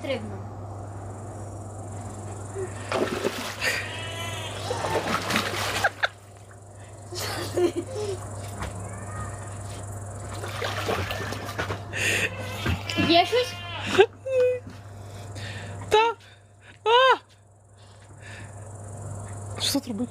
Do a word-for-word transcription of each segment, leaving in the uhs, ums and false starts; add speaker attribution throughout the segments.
Speaker 1: стрибну. Є щось?
Speaker 2: Та. А! Що тут робити?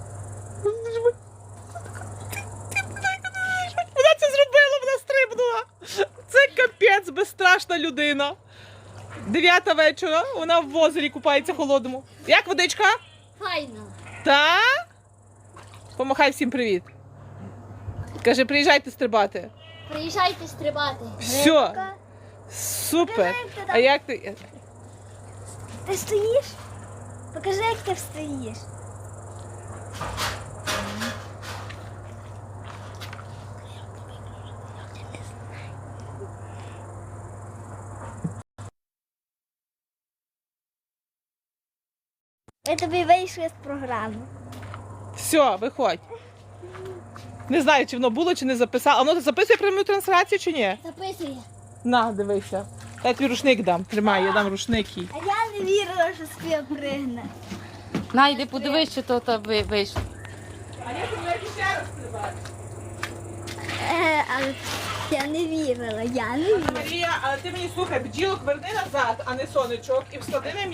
Speaker 2: Вона це зробила, вона стрибнула. Це капець, безстрашна людина. Дев'ята вечора, вона в озері купається холодному. Як водичка?
Speaker 1: Файно.
Speaker 2: Та? Помахай всім привіт. Каже, приїжджайте стрибати.
Speaker 1: Приїжджайте стрибати.
Speaker 2: Все. Супер. А як ти?
Speaker 3: Ти стоїш? Покажи, як ти встоїш. Ми тобі вийшли з програми.
Speaker 2: Все, виходь. Не знаю, чи воно було, чи не записало. А воно записує пряму трансляцію, чи ні?
Speaker 1: Записує.
Speaker 2: На, дивися. Я тобі рушник дам. Тримай, я дам рушник їй.
Speaker 3: А я не вірила, що Софія пригне.
Speaker 4: На, йди подивись, чи то та ви- вийшло.
Speaker 2: А я тобі ще раз стрибати.
Speaker 3: Е, але я не вірила, я не вірила.
Speaker 2: Марія, але ти мені слухай, бджілок верни назад, а не сонечок, і встави на